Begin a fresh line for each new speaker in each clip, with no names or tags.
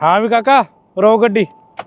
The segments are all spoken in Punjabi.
हाँ भी काका रो गड्डी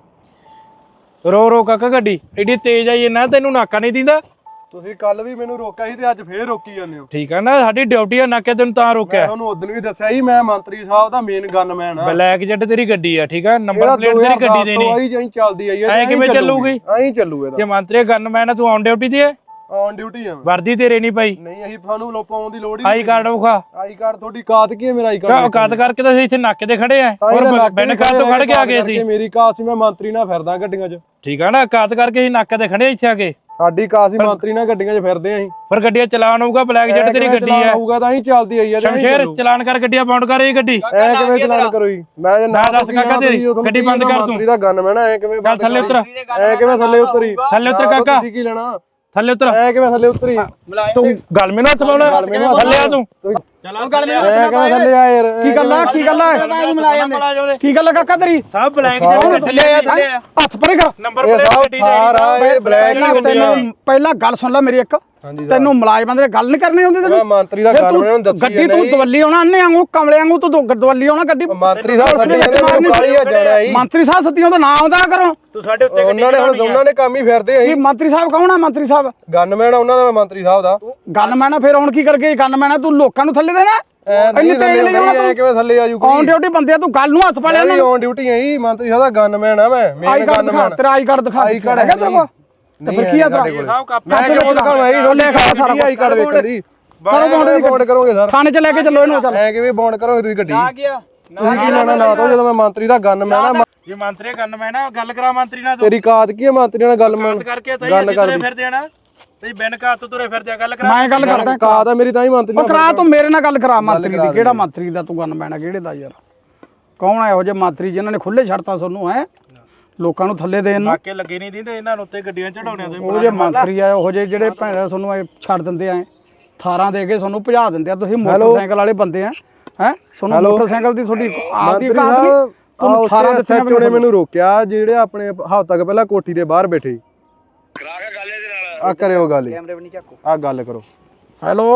रो काका गड्डी एडी तेज आई ना तेनू नाका नहीं दींदा।
ਤੁਸੀਂ ਕੱਲ ਵੀ ਮੈਨੂੰ ਰੋਕਿਆ ਸੀ ਤੇ ਅੱਜ ਫੇਰ ਰੋਕੀ ਜਾਂਦੇ ਹੋ।
ठीक है ना साडी ड्यूटी है नाके तेन तां रोकिया।
ਮੈਂ ਤੁਹਾਨੂੰ ਉਦੋਂ ਵੀ ਦੱਸਿਆ ਸੀ ਮੈਂ ਮੰਤਰੀ ਸਾਹਿਬ ਦਾ ਮੇਨ ਗਨਮੈਨ ਆ।
ब्लैक जेट तेरी गड्डी है ठीक है नंबर प्लेट तेरी गड्डी देनी
ਆਈ ਜਾਈ ਚੱਲਦੀ ਆਈ
ਐ ਕਿਵੇਂ ਚੱਲੂਗੀ
ਐਂ ਚੱਲੂ ਇਹਦਾ
ਜੇ ਮੰਤਰੀ ਗਨਮੈਨ ਹੈ ਤੂੰ ਔਨ ਡਿਊਟੀ ਤੇ ਹੈ
ਔਨ ਡਿਊਟੀ ਆ
ਵਰਦੀ ਤੇਰੇ ਨਹੀਂ ਪਾਈ
ਨਹੀਂ ਅਸੀਂ ਤੁਹਾਨੂੰ ਲੋਪਾਉਣ ਦੀ ਲੋੜ ਹੀ
ਆਈ ਕਾਰਡ ਵਿਖਾ
ਆਈ ਕਾਰਡ ਤੁਹਾਡੀ ਕਾਤ ਕੀ ਹੈ ਮੇਰਾ ਆਈ ਕਾਰਡ
ਔਕਾਤ ਕਰਕੇ ਤਾਂ ਅਸੀਂ ਇੱਥੇ ਨਾਕੇ ਤੇ ਖੜੇ ਆ ਔਰ ਬਿਨ ਕਾਰ ਤੋਂ ਖੜ ਕੇ ਆ ਗਏ ਸੀ
ਮੇਰੀ ਕਾਤ ਸੀ ਮੈਂ ਮੰਤਰੀ ਨਾਲ ਫਿਰਦਾ ਗੱਡੀਆਂ 'ਚ
ਠੀਕ ਆ ਨਾ ਔਕਾਤ ਕਰਕੇ ਅਸੀਂ ਨਾਕੇ ਤੇ ਖੜੇ ਇੱਥੇ ਆ ਕੇ
ਸਾਡੀ ਕਾਤ ਸੀ ਮੰਤਰੀ ਨਾਲ ਗੱਡੀਆਂ 'ਚ ਫਿਰਦੇ ਆਂ ਅਸੀਂ
ਪਰ ਗੱਡੀਆਂ ਚਲਾਨ ਹੋਊਗਾ ਬਲੈਕ ਜੈਟ ਤੇਰੀ ਗੱਡੀ ਹੈ
ਹੋਊਗਾ ਤਾਂ ਅਸੀਂ ਚੱਲਦੀ ਆਈ ਆ
ਸ਼ਮਸ਼ੇਰ ਚਲਾਨ ਕਰ ਗੱਡੀਆਂ ਬਾਉਂਡ ਕਰ ਇਹ ਗੱਡੀ
ਐ ਕਿਵੇਂ ਚਲਾਨ ਕਰੋ ਜੀ ਮੈਂ ਜੇ ਨਾ
ਦੱਸ ਕਾਕਾ ਤੇਰੀ ਗੱਡੀ ਬੰਦ ਕਰ ਤੂੰ
ਮੰਤਰੀ ਦਾ ਗਨਮੈਨ ਐ ਕਿਵੇਂ
ਚੱਲ ਥੱਲੇ ਉਤਰ
ਐ ਕਿਵੇਂ ਥੱਲੇ ਉਤਰੀ
ਥੱਲੇ ਉਤਰ ਕਾਕਾ
ਤੁਸੀਂ ਕੀ ਲੈਣਾ
ਥੱਲੇ ਉਤਰ
ਐ ਕਿਵੇਂ ਥੱਲੇ ਉਤਰੀ
ਤੂੰ ਗੱਲ ਮੈਨੂੰ ਹੱਥ ਪਾਉਣਾ ਥੱਲੇ ਆ ਤੂੰ
ਚਲੋ ਗੱਲ ਮੈਨੂੰ ਥੱਲੇ ਆ ਯਾਰ
ਕੀ ਗੱਲ ਆ ਕੀ ਗੱਲ ਆ ਕੀ ਗੱਲ ਆ ਕਾਕਾ ਤੇਰੀ ਸਭ ਬਲੈਕ ਜਿਹੜੇ ਥੱਲੇ ਆ ਹੱਥ ਪਰੇ ਕਰ ਨੰਬਰ ਪਲੇਟ ਗੱਡੀ
ਦੇ ਇਹ ਬਲੈਕ ਹੀ ਹੁੰਦੀ ਆ
ਪਹਿਲਾਂ ਗੱਲ ਸੁਣ ਲੈ ਮੇਰੀ ਇੱਕ ਤੈਨੂੰ ਮੁਲਾਜ਼ਮਾਂ ਦੇ ਗੱਲ ਨਹੀਂ ਕਰਨੀ ਹੁੰਦੀ ਤੈਨੂੰ
ਮੈਂ ਮੰਤਰੀ ਦਾ ਗਨਮੈਨ ਨੂੰ ਦੱਸੀ
ਗੱਡੀ ਤੂੰ ਦਵੱਲੀ ਆਉਣਾ ਅੰਨੇ ਵਾਂਗੂ ਕਮਲੇ ਵਾਂਗੂ ਤੂੰ ਦਵੱਲੀ ਆਉਣਾ ਗੱਡੀ
ਮੰਤਰੀ ਸਾਹਿਬ ਸਾਡੇ ਕਾਲੀ ਆ ਜਾਣਾ ਜੀ
ਮੰਤਰੀ ਸਾਹਿਬ ਸੱਤੀਆਂ ਦਾ ਨਾਮ ਆਉਂਦਾ ਕਰੋ ਤੂੰ ਸਾਡੇ ਉੱਤੇ
ਉਹਨਾਂ ਨੇ ਕੰਮ ਹੀ ਫਿਰਦੇ ਆ
ਮੰਤਰੀ ਸਾਹਿਬ ਕੌਣ ਆ ਮੰਤਰੀ ਸਾਹਿਬ
ਗਨਮੈਨ ਉਹਨਾਂ ਦਾ ਮੰਤਰੀ ਸਾਹਿਬ ਦਾ
ਗਨਮੈਨ ਆ ਫਿਰ ਹੁਣ ਕੀ ਕਰਕੇ ਗਨਮੈਨ ਆ ਤੂੰ ਲੋਕਾਂ ਨੂੰ ਥੱਲੇ ਦੇਣਾ
ਇੰਨੀ ਤੇਜ਼ ਨਹੀਂ ਕਿਵੇਂ ਥੱਲੇ ਆ ਜੂ ਕੋਈ
ਔਨ ਡਿਊਟੀ ਬੰਦੇ ਆ ਤੂੰ ਗੱਲ ਨੂੰ ਹੱਥ ਪਾ ਲਿਆ
ਨਹੀਂ ਔਨ ਡਿਊਟੀ ਆ ਜੀ ਮੰਤਰੀ ਸਾਹਿਬ ਦਾ ਗਨਮੈਨ ਆ ਮੈਂ ਮੇਨ ਗਨਮੈਨ
ਤੇਰਾ ਆਈ ਕਾਰਡ ਦਿਖਾ
ਆਈ ਕਾਰਡ ਹੈਗਾ ਤੇਰੇ ਕੋਲ
ਤੇ ਫਿਰ ਕੀ ਆ ਤੇਰਾ
ਮੈਂ ਕਿਉਂ ਦਿਖਾਵਾਂ ਜੀ ਰੋਲੇ ਖਾ ਸਾਰਾ ਆਈ ਕਾਰਡ ਵੇਖਣ ਦੀ ਕਰੋ ਬੌਂਡ ਕਰੋਗੇ ਸਰ
ਥਾਣੇ ਚ ਲੈ ਕੇ ਚੱਲੋ ਇਹਨੂੰ ਚੱਲ
ਐ ਕਿਵੇਂ ਬੌਂਡ ਕਰੋਗੇ ਤੁਸੀਂ ਗੱਡੀ ਆ ਗਿਆ ਤੁਸੀਂ ਲੈਣਾ ਨਾ ਤੋਂ ਜਦੋਂ ਮੈਂ ਮੰਤਰੀ ਦਾ ਗਨਮੈਨ ਆ
ਜੇ ਮੰਤਰੀ ਗਨਮੈਨ ਆ ਗੱਲ ਕਰਾ ਮੰਤਰੀ ਨਾਲ
ਤੇਰੀ ਕਾਤ ਕੀ ਹੈ ਮੰਤਰੀ ਨਾਲ ਗਨਮੈਨ
ਕਰਕੇ ਤਾਂ ਅਸੀਂ ਤੁਰੇ ਫਿਰਦੇ ਆ ਨਾ ਤੇ ਬਿਨ ਕਾਤ ਤੋਂ ਤੁਰੇ ਫਿਰਦੇ ਆ ਗੱਲ ਕਰਾ ਮੈਂ ਗੱਲ ਕਰਦਾ
ਕਾਤ ਆ ਮੇਰੀ ਤਾਂ ਹੀ ਮੰਤਰੀ ਨਾਲ
ਕਰਾ ਤੂੰ ਮੇਰੇ ਨਾਲ ਗੱਲ ਕਰਾ ਮੰਤਰੀ ਦੀ ਕਿਹੜਾ ਮੰਤਰੀ ਦਾ ਤੂੰ ਗਨਮੈਨ ਆ ਕਿਹੜੇ ਦਾ ਯਾਰ ਕੌਣ ਆ ਇਹੋ ਜਿਹੇ ਮੰਤਰੀ ਜਿਨ੍ਹਾਂ ਨੇ ਖੁੱਲੇ ਛੱਡਤਾ ਤੁਹਾਨੂੰ ਹੈ ਲੋਕਾਂ ਨੂੰ ਥੱਲੇ ਦੇਣ ਨੂੰ ਨਾਕੇ ਲੱਗੇ ਨਹੀਂ ਦਿੰਦੇ ਇਹਨਾਂ ਨੂੰ ਉੱਤੇ ਗੱਡੀਆਂ ਚੜਾਉਣਿਆਂ ਤੇ ਉਹ ਜੇ ਮੰਤਰੀ ਆ ਉਹ ਜੇ ਜਿਹੜੇ ਭੈਣ ਤੁਹਾਨੂੰ ਛੱਡ ਦਿੰਦੇ ਆ ਥਾਰਾਂ ਦੇ ਕੇ ਤੁਹਾਨੂੰ ਭਜਾ ਦਿੰਦੇ ਆ ਤੁਸੀਂ ਮੋਟਰਸਾਈਕਲ ਵਾਲੇ ਬੰਦੇ ਆ ਹੈ ਤੁਹਾਨੂੰ ਮੋਟਰਸਾਈਕਲ ਦੀ ਤੁਹਾਡੀ ਆਪਦੀ ਕਾਤ ਨਹੀਂ ਤੁਹਾਨੂੰ ਥਾਰਾਂ ਦੇ
ਸੱਚੋ ਨੇ ਮੈਨੂੰ ਰੋਕਿਆ ਜਿਹੜੇ ਆਪਣੇ ਹਫ਼ਤਾ ਤੱਕ ਪਹਿਲਾਂ ਕੋਠੀ ਦੇ ਬਾਹਰ ਬੈਠੇ
ਕਰਾ ਕੇ ਗੱਲ ਇਹਦੇ ਨਾਲ
ਆ ਕਰਿਓ ਗੱਲ ਕੈਮਰੇ ਵੀ ਨਹੀਂ ਚੱਕੋ ਆ ਗੱਲ ਕਰੋ
ਹੈਲੋ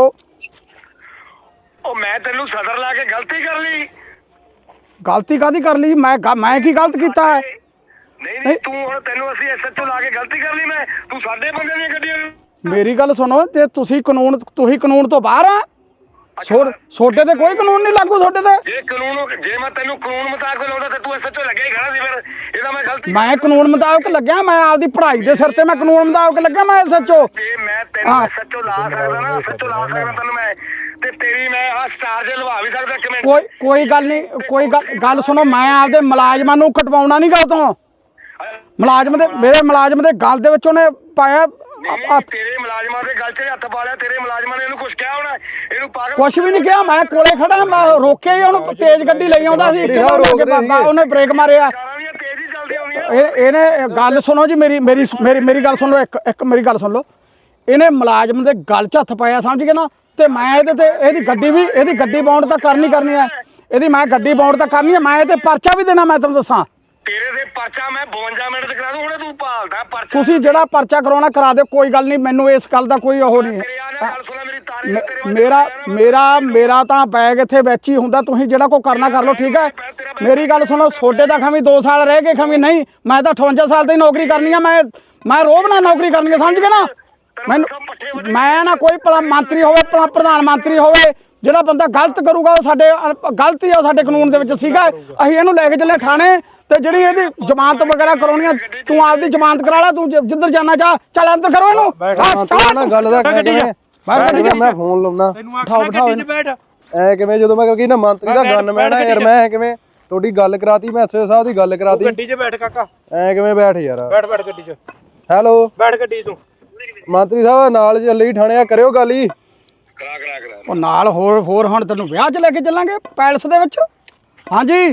ਉਹ ਮੈਂ ਤੈਨੂੰ ਸਦਰ ਲਾ ਕੇ ਗਲਤੀ ਕਰ ਲਈ
ਗਲਤੀ ਕਾਦੀ ਕਰ ਲਈ ਮੈਂ ਕੀ ਗਲਤ ਕੀਤਾ ਹੈ
ਨਹੀਂ ਤੂੰ ਹੁਣ ਤੈਨੂੰ ਅਸੀਂ ਐਸਐਚਓ ਲਾ ਕੇ ਗਲਤੀ ਕਰ ਲਈ ਮੈਂ ਤੂੰ ਸਾਡੇ ਬੰਦੇ ਦੀਆਂ ਗੱਡੀਆਂ
ਮੇਰੀ ਗੱਲ ਸੁਣੋ ਤੇ ਤੁਸੀਂ ਕਾਨੂੰਨ ਤੋਂ ਬਾਹਰ ਆ ਛੋਟੇ ਤੇ ਕੋਈ ਕਾਨੂੰਨ ਨਹੀਂ ਲਾਗੂ ਛੋਟੇ ਤੇ
ਜੇ ਮੈਂ ਤੈਨੂੰ ਕਾਨੂੰਨ ਮੁਤਾਬਕ ਲਾਉਂਦਾ ਤੇ ਤੂੰ ਐਸਐਚਓ ਲੱਗਿਆ ਹੀ ਖੜਾ ਸੀ ਫਿਰ ਇਹਦਾ ਮੈਂ ਗਲਤੀ
ਮੈਂ ਕਾਨੂੰਨ ਮੁਤਾਬਕ ਲੱਗਿਆ ਮੈਂ ਆਪਦੀ ਪੜ੍ਹਾਈ ਦੇ ਸਿਰ ਤੇ ਮੈਂ ਕਾਨੂੰਨ ਮੁਤਾਬਕ ਲੱਗਿਆ ਮੈਂ ਐਸਐਚਓ
ਜੇ ਮੈਂ ਤੈਨੂੰ ਐਸਐਚਓ ਲਾ ਸਕਦਾ ਨਾ ਐਸਐਚਓ ਲਾ ਸਕਦਾ ਤੈਨੂੰ ਮੈਂ ਤੇ ਤੇਰੀ ਮੈਂ ਆ ਸਟਾਰ ਜੇ ਲਵਾ ਵੀ ਸਕਦਾ ਇੱਕ ਮਿੰਟ
ਕੋਈ ਗੱਲ ਨਹੀਂ ਕੋਈ ਗੱਲ ਸੁਣੋ ਮੈਂ ਆਪਦੇ ਮੁਲਾਜ਼ਮਾਂ ਨੂੰ ਕਟਵਾਉਣਾ ਨਹੀਂ ਗਾ ਤੋਂ ਮੇਰੇ ਮੁਲਾਜ਼ਮ ਦੇ ਗਲ ਦੇ ਵਿੱਚ ਉਹਨੇ ਪਾਇਆ
ਤੇਰੇ ਮੁਲਾਜ਼ਮਾਂ ਦੇ ਗਲ 'ਚ ਹੱਥ ਪਾ ਲਿਆ ਤੇਰੇ ਮੁਲਾਜ਼ਮਾਂ ਨੇ ਇਹਨੂੰ ਕੁਝ ਕਿਹਾ ਹੋਣਾ ਇਹਨੂੰ ਪਾਗਲ
ਕੁਛ ਵੀ ਨਹੀਂ ਕਿਹਾ ਮੈਂ ਕੋਲੇ ਖੜਾ ਮੈਂ ਰੋਕਿਆ ਹੀ ਉਹਨੂੰ ਤੇਜ਼ ਗੱਡੀ ਲਈ ਆਉਂਦਾ ਸੀ ਉਹਨੇ ਬ੍ਰੇਕ ਮਾਰਿਆ
ਤੇਜ਼ ਹੀ ਚੱਲਦੀ ਆਉਂਦੀਆਂ
ਇਹਨੇ ਗੱਲ ਸੁਣੋ ਜੀ ਮੇਰੀ ਗੱਲ ਸੁਣ ਲਓ ਇੱਕ ਮੇਰੀ ਗੱਲ ਸੁਣ ਲਓ ਇਹਨੇ ਮੁਲਾਜ਼ਮ ਦੇ ਗਲ 'ਚ ਹੱਥ ਪਾਇਆ ਸਮਝ ਗਏ ਨਾ ਤੇ ਮੈਂ ਇਹਦੇ ਤੇ ਇਹਦੀ ਗੱਡੀ ਬਾਉਂਡ ਤਾਂ ਕਰਨੀ ਹੈ ਇਹਦੀ ਮੈਂ ਗੱਡੀ ਬਾਉਂਡ ਤਾਂ ਕਰਨੀ ਹੈ ਮੈਂ ਇਹ ਤੇ ਪਰਚਾ ਵੀ ਦੇਣਾ ਮੈਂ ਤੁਹਾਨੂੰ ਦੱਸਾਂ
ਤੇਰੇ ਦੇ ਪਰਚਾ ਮੈਂ 52 ਮਿੰਟ ਚ ਕਰਾ ਦੂੰ ਹੁਣ ਤੂੰ ਭਾਲਦਾ ਪਰਚਾ
ਤੁਸੀਂ ਜਿਹੜਾ ਪਰਚਾ ਕਰਾਉਣਾ ਕਰਾ ਦਿਓ ਕੋਈ ਗੱਲ ਨਹੀਂ ਮੈਨੂੰ ਇਸ ਗੱਲ ਦਾ ਕੋਈ ਉਹ ਨਹੀਂ ਮੇਰਾ ਤਾਂ ਬੈਗ ਇੱਥੇ ਵਿੱਚ ਹੀ ਹੁੰਦਾ ਤੁਸੀਂ ਜਿਹੜਾ ਕੋਈ ਕਰਨਾ ਕਰ ਲਓ ਠੀਕ ਹੈ ਮੇਰੀ ਗੱਲ ਸੁਣੋ ਛੋਟੇ ਦਾ ਖਮੀ 2 ਸਾਲ ਰਹਿ ਗਏ ਖਮੀ ਨਹੀਂ ਮੈਂ ਤਾਂ 58 ਸਾਲ ਦੀ ਨੌਕਰੀ ਕਰਨੀ ਆ ਮੈਂ ਰੋਬ ਨਾਲ ਨੌਕਰੀ ਕਰਨੀ ਆ ਸਮਝ ਗਏ ਨਾ ਮੈਨੂੰ ਮੈਂ ਨਾ ਕੋਈ ਮੰਤਰੀ ਹੋਵੇ ਪ੍ਰਧਾਨ ਮੰਤਰੀ ਹੋਵੇ ਜਿਹੜਾ ਬੰਦਾ ਗਲਤ ਕਰੂਗਾ ਉਹ ਸਾਡੇ ਗਲਤੀ ਆ ਸਾਡੇ ਕਾਨੂੰਨ ਦੇ ਵਿੱਚ ਸੀਗਾ ਅਸੀਂ ਇਹਨੂੰ ਲੈ ਕੇ ਚੱਲੇ ਥਾਣੇ ਤੇ ਜਿਹੜੀ ਇਹਦੀ ਜ਼ਮਾਨਤ ਵਗੈਰਾ ਕਰਾਉਣੀ ਆ ਤੂੰ ਆਪਦੀ ਜ਼ਮਾਨਤ ਕਰਾ ਲੈ ਤੂੰ ਜਿੱਧਰ ਜਾਣਾ ਚਾਹ ਚੱਲ ਅੰਦਰ ਕਰੋ ਇਹਨੂੰ
ਗੱਲ ਦਾ ਮੈਂ ਫੋਨ ਲਾਉਣਾ
ਬਿਠਾਓ
ਐ ਕਿਵੇਂ ਜਦੋਂ ਮੈਂ ਨਾ ਮੰਤਰੀ ਦਾ ਗਨਮੈਨ ਆ ਯਾਰ ਮੈਂ ਕਿਵੇਂ ਤੁਹਾਡੀ ਗੱਲ ਕਰਾਤੀ ਮੈਂ ਐਸਓ ਸਾਹਿਬ ਦੀ ਗੱਲ ਕਰਾਤੀ
ਗੱਡੀ 'ਚ ਬੈਠ ਕਾਕਾ
ਐ ਕਿਵੇਂ ਬੈਠ ਯਾਰ
ਬੈਠ ਗੱਡੀ 'ਚ
ਹੈਲੋ
ਬੈਠ ਗੱਡੀ ਤੂੰ
ਮੰਤਰੀ ਸਾਹਿਬ ਨਾਲ ਚੱਲੇ ਹੀ ਥਾਣੇ ਆ ਕਰਿਓ ਗੱਲ ਹੀ
ਕਰਾ
ਉਹ ਨਾਲ ਹੋਰ ਹੁਣ ਤੈਨੂੰ ਵਿਆਹ 'ਚ ਲੈ ਕੇ ਚੱਲਾਂਗੇ ਪੈਲਸ ਦੇ ਵਿੱਚ ਹਾਂਜੀ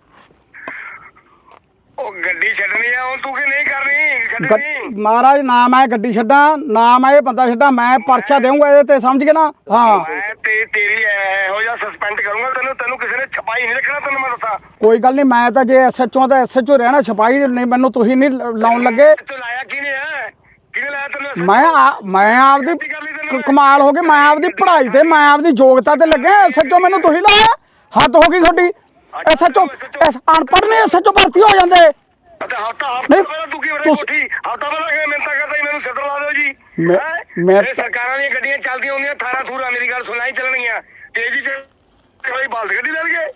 ਉਹ ਗੱਡੀ ਛੱਡਣੀ ਆ ਹੁਣ ਤੂੰ ਕੀ ਨਹੀਂ ਕਰਨੀ
ਮਹਾਰਾਜ ਨਾ ਮੈਂ ਗੱਡੀ ਛੱਡਾਂ ਨਾ ਮੈਂ ਇਹ ਬੰਦਾ ਛੱਡਾਂ ਮੈਂ ਪਰਚਾ ਦੇਵਾਂਗਾ ਇਹਦੇ ਤੇ ਸਮਝ ਗਏ ਨਾ ਹਾਂ
ਮੈਂ ਤੇਰੀ ਇਹੋ ਜਿਹਾ ਸਸਪੈਂਡ ਕਰੂੰਗਾ ਤੈਨੂੰ ਕਿਸੇ ਨੇ ਛਪਾਈ ਨਹੀਂ ਰੱਖਣਾ ਤੈਨੂੰ ਮੈਂ ਦੱਸਾਂ
ਕੋਈ ਗੱਲ ਨਹੀਂ ਮੈਂ ਤਾਂ ਜੇ ਐਸਐਚਓ ਤਾਂ ਐਸਐਚਓ ਰਹਿਣਾ ਛਪਾਈ ਨਹੀਂ ਮੈਨੂੰ ਤੁਸੀਂ ਨਹੀਂ ਲਾਉਣ ਲੱਗੇ
ਤੂੰ ਲਾਇਆ ਕਿਹਨੇ ਆ ਕਿਹਨੇ ਲਾਇਆ ਤੈਨੂੰ
ਮੈਂ ਆਪਦੀ ਕਮਾਲ ਹੋ ਗਈ ਮੈਂ ਆਪਦੀ ਪੜ੍ਹਾਈ ਤੇ ਮੈਂ ਆਪਦੀ ਯੋਗਤਾ ਤੇ ਲੱਗਿਆ ਐਸਐਚਓ ਮੈਨੂੰ ਤੁਸੀਂ ਲਾਇਆ ਹੱਦ ਹੋ ਗਈ ਤੁਹਾਡੀ ਐਸਐਚਓ ਅਨਪੜ੍ਹ ਨੇ ਐਸਐਚਓ ਭਰਤੀ ਹੋ ਜਾਂਦੇ।
ਅਤੇ ਹਫਤਾ
ਨਹੀਂ,
ਪਹਿਲਾਂ ਤੂੰ ਕੀ ਬੜੇ ਕੋਠੀ ਹਫਤਾ ਪਹਿਲਾਂ ਕਿਵੇਂ ਮਿੰਤਾ ਕਰਦਾ ਸੀ ਮੈਨੂੰ ਸਿੱਧਰ ਲਾ ਦਿਓ ਜੀ।
ਮੈਂ
ਇਹ ਸਰਕਾਰਾਂ ਦੀਆਂ ਗੱਡੀਆਂ ਚੱਲਦੀਆਂ ਹੁੰਦੀਆਂ 18 ਥੂਰਾ ਮੇਰੀ ਗੱਲ ਸੁਣਾਈ ਚੱਲਣਗੀਆਂ ਤੇਜ਼ੀ ਚ ਕੋਈ ਬਲਦ ਗੱਡੀ ਲੈ ਲਈਏ।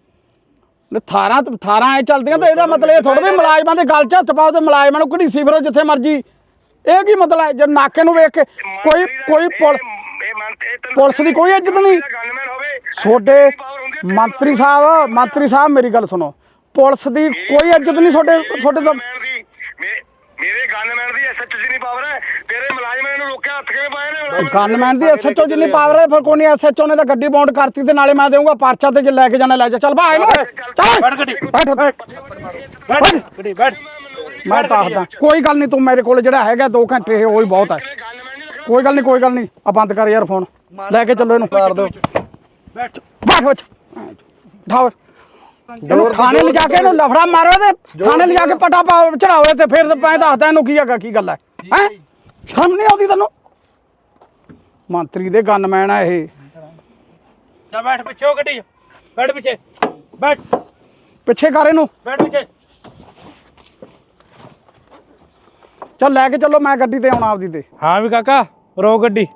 18 ਐ ਚੱਲਦੀਆਂ ਤਾਂ ਇਹਦਾ ਮਤਲਬ ਇਹ ਥੋੜਾ ਵੀ ਮੁਲਾਜ਼ਮਾਂ ਦੇ ਗੱਲ 'ਚ ਹੱਥ ਪਾਓ ਤੇ ਮੁਲਾਜ਼ਮਾਂ ਨੂੰ ਘੜੀਸੀ ਫਿਰੋ ਜਿੱਥੇ ਮਰਜੀ। ਇਹ ਕੀ ਮਤਲਬ ਹੈ? ਜੇ ਨਾਕੇ ਨੂੰ ਵੇਖ ਕੇ ਕੋਈ ਪੁਲਿਸ ਦੀ ਕੋਈ ਇੱਜ਼ਤ ਨਹੀਂ। ਤੁਹਾਡੇ ਮੰਤਰੀ ਸਾਹਿਬ ਮੇਰੀ ਗੱਲ ਸੁਣੋ, ਪੁਲਿਸ ਦੀ ਕੋਈ ਇੱਜ਼ਤ ਨਹੀਂ ਤੁਹਾਡੇ ਤੋਂ।
ਮੇਰੇ ਗਨਮੈਨ ਦੀ ਐਸਐਚਓ ਜਿੰਨੀ ਪਾਵਰ ਹੈ, ਤੇਰੇ ਮੁਲਾਜ਼ਮਾਂ ਨੂੰ ਰੋਕਿਆ ਹੱਥ ਕਿਵੇਂ ਪਾਏ ਨੇ?
ਗਨਮੈਨ ਦੀ ਐਸਐਚਓ ਜਿੰਨੀ ਪਾਵਰ ਹੈ, ਫਿਰ ਕੋਈ ਨਹੀਂ। ਐਸਐਚਓ ਨੇ ਤਾਂ ਗੱਡੀ ਬੌਂਡ ਕਰਤੀ ਤੇ ਨਾਲੇ ਮੈਂ ਦੇਵਾਂਗਾ ਪਰਚਾ ਤੇ ਜੇ ਲੈ ਕੇ ਜਾਣਾ ਲੈ ਜਾ। ਚੱਲ ਭਾਈ ਨੂੰ ਚੱਲ
ਬੈਠ ਗੱਡੀ ਬੈਠ
ਮੈਂ ਦੱਸਦਾ ਕੋਈ ਗੱਲ ਨਹੀਂ। ਤੂੰ ਮੇਰੇ ਕੋਲ ਜਿਹੜਾ ਹੈਗਾ 2 ਘੰਟੇ ਉਹ ਹੀ ਬਹੁਤ ਹੈ। ਕੋਈ ਗੱਲ ਨਹੀਂ ਆ ਬੰਦ ਕਰ ਯਾਰ ਫੋਨ, ਲੈ ਕੇ ਚੱਲੋ ਇਹਨੂੰ।
ਮਾਰ ਦੋ
ਬੈਠ
ਬੈਠ ਠਾਓ ਇਹਨੂੰ ਥਾਣੇ ਲਿਜਾ ਕੇ ਇਹਨੂੰ ਲਫੜਾ ਮਾਰੋ ਤੇ ਥਾਣੇ ਲਿਜਾ ਕੇ ਪਟਾ ਚੜਾਓ ਤੇ ਫਿਰ ਮੈਂ ਦੱਸਦਾ ਇਹਨੂੰ ਕੀ ਹੈਗਾ ਕੀ ਗੱਲ ਹੈ। ਸ਼ਰਮ ਨਹੀਂ ਆਉਂਦੀ ਤੈਨੂੰ? ਮੰਤਰੀ ਦੇ ਗਨਮੈਨ ਆ ਇਹ।
ਜਾ ਬੈਠ ਪਿੱਛੇ ਗੱਡੀ ਬੈਠ ਪਿੱਛੇ ਬੈਠ
ਪਿੱਛੇ ਕਰ ਇਹਨੂੰ,
ਬੈਠ ਪਿੱਛੇ।
ਚੱਲ ਲੈ ਕੇ ਚੱਲੋ, ਮੈਂ ਗੱਡੀ ਤੇ ਆਉਣਾ ਆਪਦੀ ਤੇ।
ਹਾਂ ਵੀ ਕਾਕਾ ਰੋ ਗੱਡੀ,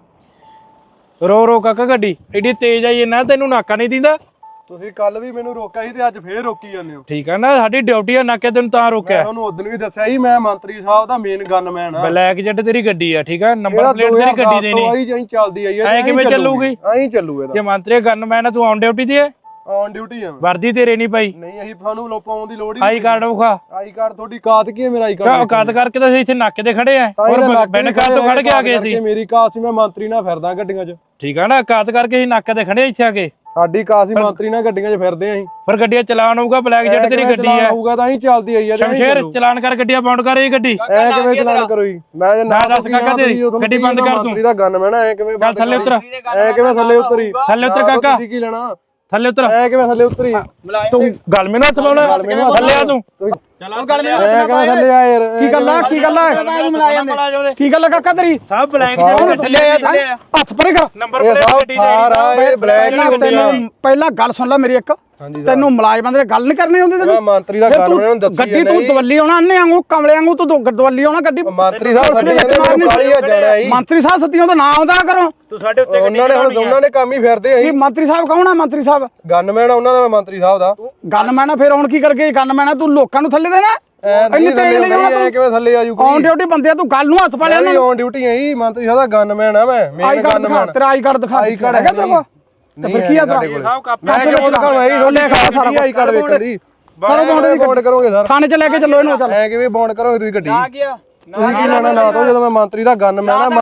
ਰੋ ਕਾਕਾ ਗੱਡੀ ਐਡੀ ਤੇਜ਼ ਆਈ ਨਾ ਤੈਨੂੰ ਨਾਕਾ ਨਹੀਂ ਦਿੰਦਾ।
ਤੁਸੀਂ ਕੱਲ ਵੀ ਮੈਨੂੰ ਰੋਕਿਆ ਸੀ ਤੇ ਅੱਜ ਫੇਰ ਰੋਕੀ ਜਾਂਦੇ ਹੋ।
ਠੀਕ ਆ ਨਾ, ਸਾਡੀ ਡਿਊਟੀ ਆ ਨਾਕੇ ਤੈਨੂੰ ਤਾਂ ਰੋਕਿਆ।
ਮੈਂ ਉਹਨੂੰ ਉਦੋਂ ਵੀ ਦੱਸਿਆ ਸੀ ਮੈਂ ਮੰਤਰੀ ਸਾਹਿਬ ਦਾ ਮੇਨ ਗਨਮੈਨ ਆ।
ਬਲੈਕ ਜੈਟ ਤੇਰੀ ਗੱਡੀ ਆ, ਠੀਕ ਆ, ਨੰਬਰ ਪਲੇਟ ਤੇਰੀ ਗੱਡੀ ਦੇ ਨਹੀਂ।
ਆਈ ਚੱਲਦੀ ਆਈ
ਐ ਕਿਵੇਂ ਚੱਲੂਗੀ?
ਐਂ ਚੱਲੂ ਇਹਦਾ।
ਜੇ ਮੰਤਰੀ ਗਨਮੈਨ ਆ ਤੂੰ ਔਨ ਡਿਊਟੀ ਤੇ ਹੈ?
ਔਨ ਡਿਊਟੀ ਆ।
ਵਰਦੀ ਤੇਰੇ ਨਹੀਂ ਪਾਈ?
ਨਹੀਂ ਅਸੀਂ ਸਾਨੂੰ ਲੋਪਾਉਣ ਦੀ ਲੋੜ ਹੀ
ਆਈ ਕਾਰਡ ਵਿਖਾ।
ਆਈ ਕਾਰਡ ਤੁਹਾਡੀ ਕਾਤ ਕੀ ਹੈ? ਮੇਰਾ ਆਈ ਕਾਰਡ
ਔਕਾਤ ਕਰਕੇ ਤਾਂ ਅਸੀਂ ਇੱਥੇ ਨਾਕੇ ਤੇ ਖੜੇ ਆ, ਹੋਰ ਬਿਨ ਕਾਤ ਤੋਂ ਖੜ ਕੇ ਆ ਗਏ ਸੀ।
ਮੇਰੀ ਕਾਤ ਸੀ ਮੈਂ ਮੰਤਰੀ ਨਾਲ ਫਿਰਦਾ ਗੱਡੀਆਂ 'ਚ।
ਠੀਕ ਆ ਨਾ, ਔਕਾਤ ਕਰਕੇ ਅਸੀਂ ਨਾਕੇ ਤੇ ਖੜੇ ਇੱਥੇ ਆ ਕੇ।
ਸਾਡੀ ਕਾਤ ਸੀ ਮੰਤਰੀ ਨਾਲ ਗੱਡੀਆਂ 'ਚ ਫਿਰਦੇ ਆਂ ਅਸੀਂ।
ਫਿਰ ਗੱਡੀਆਂ ਚਲਾਨ ਹੋਊਗਾ, ਬਲੈਕ ਜੈਟ ਤੇਰੀ ਗੱਡੀ ਆ।
ਹੋਊਗਾ ਤਾਂ ਹੀ ਚੱਲਦੀ ਆਈ ਆ।
ਸ਼ਮਸ਼ੇਰ ਚਲਾਨ ਕਰ ਗੱਡੀਆਂ ਬਾਉਂਡ ਕਰ ਇਹ ਗੱਡੀ।
ਐ ਕਿਵੇਂ ਚਲਾਨ ਕਰੋ ਜੀ? ਮੈਂ
ਨਾ ਦੱਸ ਕਾਕਾ ਤੇਰੀ ਗੱਡੀ ਬੰਦ ਕਰ ਤੂੰ।
ਮੰਤਰੀ ਦਾ ਗਨਮੈਨ ਐ ਕਿਵੇਂ
ਚੱਲ ਥੱਲੇ ਉਤਰ,
ਐ ਕਿਵੇਂ ਥੱਲੇ ਉਤਰੀ?
ਥੱਲੇ ਉਤਰ ਕਾਕਾ,
ਤੁਸੀਂ ਕੀ ਲੈਣਾ?
ਥੱਲੇ ਉਤਰ।
ਐ ਕਿਵੇਂ ਥੱਲੇ ਉਤਰੀ?
ਤੂੰ ਗੱਲ ਮੈਨੂੰ ਹੱਥ ਪਾਉਣਾ, ਥੱਲੇ ਆ ਤੂੰ।
ਐ ਕਿਵੇਂ ਥੱਲੇ ਆ ਯਾਰ?
ਕੀ ਗੱਲ ਹੈ ਕੀ ਗੱਲ ਹੈ ਕਾਕਾ ਤੇਰੀ?
ਸਭ ਬਲੈਕ ਜੈਟ ਥੱਲੇ ਆ,
ਹੱਥ ਪਰੇ ਕਰ।
ਨੰਬਰ
ਇਹ
ਪਲੇਟ
ਸਭ
ਗੱਡੀ
ਸਾਰਾ ਇਹ ਬਲੈਕ ਹੀ ਹੁੰਦੇ ਆ।
ਤੈਨੂੰ ਪਹਿਲਾਂ ਗੱਲ ਸੁਣ ਲੈ ਮੇਰੀ ਇੱਕ। ਤੈਨੂੰ ਮੁਲਾਜ਼ਮਾਂ ਦੇ ਗੱਲ ਨਹੀਂ ਕਰਨੀ ਹੁੰਦੀ
ਮੈਂ ਮੰਤਰੀ ਦਾ ਗਨਮੈਨ ਨੂੰ ਦੱਸੀ
ਗੱਡੀ ਤੂੰ ਦਵੱਲੀ ਆਉਣਾ ਅੰਨੇ ਵਾਂਗੂ ਕਮਲੇ ਵਾਂਗੂ ਤੂੰ ਦਵੱਲੀ ਆਉਣਾ ਗੱਡੀ।
ਮੰਤਰੀ ਸਾਹਿਬ ਸਾਡੇ ਕਾਲੀ ਆ ਜਾਣਾ ਜੀ।
ਮੰਤਰੀ ਸਾਹਿਬ ਸਤੀਆਂ ਦਾ ਨਾਂ ਆਉਂਦਾ ਕਰੋ।
ਤੂੰ ਸਾਡੇ ਉੱਤੇ ਗੱਡੀ
ਉਹਨਾਂ ਨੇ ਕੰਮ ਹੀ ਫਿਰਦੇ
ਕੀ
ਅਸੀਂ।
ਮੰਤਰੀ ਸਾਹਿਬ ਕੌਣ ਆ? ਮੰਤਰੀ ਸਾਹਿਬ
ਗਨਮੈਨ ਉਹਨਾਂ ਦਾ ਮੰਤਰੀ ਸਾਹਿਬ ਦਾ
ਗਨਮੈਨ ਆ। ਫਿਰ ਹੁਣ ਕੀ ਕਰਕੇ ਗਨਮੈਨ ਆ? ਤੂੰ ਲੋਕਾਂ ਨੂੰ ਥੱਲੇ ਦੇਣਾ?
ਇੰਨੀ ਥੱਲੇ ਕਿਵੇਂ ਥੱਲੇ ਆਜੂ ਕੋਈ?
ਔਨ ਡਿਊਟੀ ਬੰਦੇ ਆ, ਤੂੰ ਗੱਲ ਨੂੰ ਹੱਥ ਪਾ ਲਿਆ
ਮੈਂ ਔਨ ਡਿਊਟੀ ਆਈ ਮੰਤਰੀ ਸਾਹਿਬ ਦਾ ਗਨਮੈਨ ਆ। ਮੈਂ ਮੇਨ ਗਨਮੈਨ।
ਤੇਰਾ ਆਈ ਕਾਰਡ ਦਿਖਾ।
ਆਈ ਕਾਰਡ
ਹੈਗਾ ਤੇਰੇ ਕੋਲ? ਤੇ ਫਿਰ ਕੀ ਆ ਤੇਰਾ?
ਮੈਂ ਕਿਉਂ ਦਿਖਾਵਾਂ? ਇਹ ਰੋਲੇ ਸਾਰਾ ਆਈ ਕਾਰਡ ਵੇਖਣ ਦੀ। ਬੌਂਡ ਕਰੋਗੇ ਸਰ?
ਥਾਣੇ ਚ ਲੈ ਕੇ ਚੱਲੋ ਇਹਨੂੰ। ਚੱਲ
ਐ ਕਿਵੇਂ ਬੌਂਡ ਕਰੋਗੇ ਤੁਸੀਂ ਗੱਡੀ? ਤੁਸੀਂ ਕੀ ਲੈਣਾ ਨਾ ਤੋਂ ਜਦੋਂ ਮੈਂ ਮੰਤਰੀ ਦਾ ਗਨਮੈਨ ਆ।